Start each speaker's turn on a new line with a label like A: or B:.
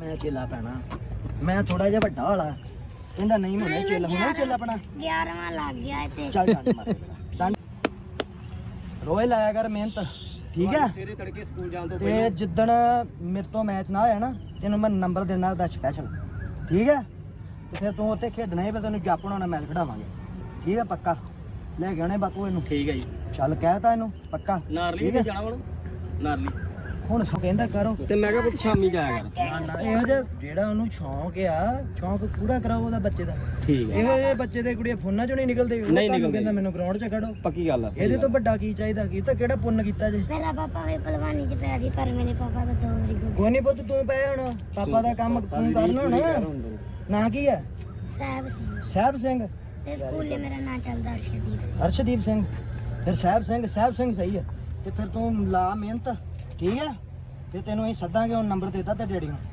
A: ਮੈਂ ਚੇਲਾ ਪੈਣਾ ਮੈਂ ਥੋੜਾ ਜਿਹਾ ਵੱਡਾ ਵਾਲਾ ਕਹਿੰਦਾ ਨਹੀਂ ਹੋਣਾ ਚੇਲਾ ਹੋਣਾ ਚੇਲਾ ਆਪਣਾ
B: 11ਵਾਂ ਲੱਗ ਗਿਆ ਤੇ
A: ਚੱਲ ਡੰਡ ਮਾਰ ਡੰਡ ਰੋਏ ਲਾਇਆ ਕਰ ਮਿਹਨਤ ਠੀਕ ਹੈ
C: ਸਵੇਰੇ ਤੜਕੇ ਸਕੂਲ ਜਾਣ ਤੋਂ
A: ਤੇ ਜਿੱਦਣ ਮੇਰੇ ਤੋਂ ਮੈਚ ਨਾ ਹੋਇਆ ਨਾ ਤੈਨੂੰ ਮੈਂ ਨੰਬਰ ਦੇਣਾ ਦਾ ਸਪੈਸ਼ਲ ਠੀਕ ਹੈ ਤੇ ਫਿਰ ਤੂੰ ਉੱਥੇ ਖੇਡਣਾ ਹੈ ਫਿਰ ਤੈਨੂੰ ਜਾਪਣਾ ਨਾਲ ਮੈਚ ਖਿਡਾਵਾਂਗੇ ਠੀਕ ਹੈ ਪੱਕਾ ਲੈ ਕੇ ਆਉਣੇ ਬਾਪੂ ਇਹਨੂੰ
C: ਠੀਕ ਹੈ ਜੀ
A: ਚੱਲ ਕਹਿਤਾ ਇਹਨੂੰ ਪੱਕਾ
C: ਨਾਰਲੀ ਵੀ ਜਾਣਾ ਵਣ ਨਾਰਲੀ
A: ਹੁਣ ਸੋ ਕਹਿੰਦਾ ਕਰੋ
C: ਤੇ ਮੈਂ ਕਿਹਾ ਪੁੱਤ ਸ਼ਾਮੀ ਜਾਇਆ ਕਰ
A: ਨਾ ਨਾ ਇਹੋ ਜਿਹਾ ਜਿਹੜਾ ਉਹਨੂੰ ਸ਼ੌਂਕ ਆ ਸ਼ੌਂਕ ਪੂਰਾ ਕਰਾਓ ਉਹਦਾ ਬੱਚੇ ਦਾ
C: ਠੀਕ ਹੈ
A: ਇਹੋ ਜਿਹੇ ਬੱਚੇ ਦੇ ਕੁੜੀਆਂ ਫੋਨਾਂ ਚੋਂ ਨਹੀਂ ਨਿਕਲਦੇ ਉਹ
C: ਨਹੀਂ
A: ਤੁਹਾਨੂੰ
C: ਨਿਕਲਦੇ।
A: ਕਹਿੰਦਾ ਮੈਨੂੰ ਗਰਾਊਂਡ 'ਚ ਖੜੋ
C: ਪੱਕੀ ਗੱਲ ਆ
A: ਇਹਦੇ ਤੋਂ ਵੱਡਾ ਕੀ ਚਾਹੀਦਾ ਕੀ ਤਾਂ ਕਿਹੜਾ ਪੁੰਨ ਕੀਤਾ ਜੇ
B: ਮੇਰਾ ਪਾਪਾ ਵੀ ਪਹਿਲਵਾਨੀ ਚ ਪਿਆ ਸੀ ਪਰ ਮੇਰੇ ਪਾਪਾ ਦਾ 2 ਵਾਰੀ ਗੁਜ਼ਰ
A: ਕੋਈ ਨਹੀਂ ਪੁੱਤ ਤੂੰ ਪਏ ਹੁਣ ਪਾਪਾ ਦਾ ਕੰਮ ਤੂੰ ਕਰਨਾ ਹੁਣ ਨਾਂ ਕੀ ਹੈ
B: ਸਾਹਿਬ ਸੀ
A: ਸਾਹਿਬ ਸਿੰਘ
B: ਤੇ ਸਕੂਲੇ ਮੇਰਾ ਨਾਂ ਚੱਲਦਾ ਅਰਸ਼ਦੀਪ ਸਿੰਘ।
A: ਹਰਸ਼ਦੀਪ ਸਿੰਘ ਫਿਰ ਸਾਹਿਬ ਸਿੰਘ ਸਹੀ ਹੈ ਤੇ ਫਿਰ ਤੂੰ ਲਾ ਮਿਹਨਤ ਠੀਕ ਹੈ ਤੇ ਤੈਨੂੰ ਅਸੀਂ ਸੱਦਾਂਗੇ ਹੁਣ ਨੰਬਰ ਦੇਤਾ ਤੇ ਡੈਡੀ ਨੂੰ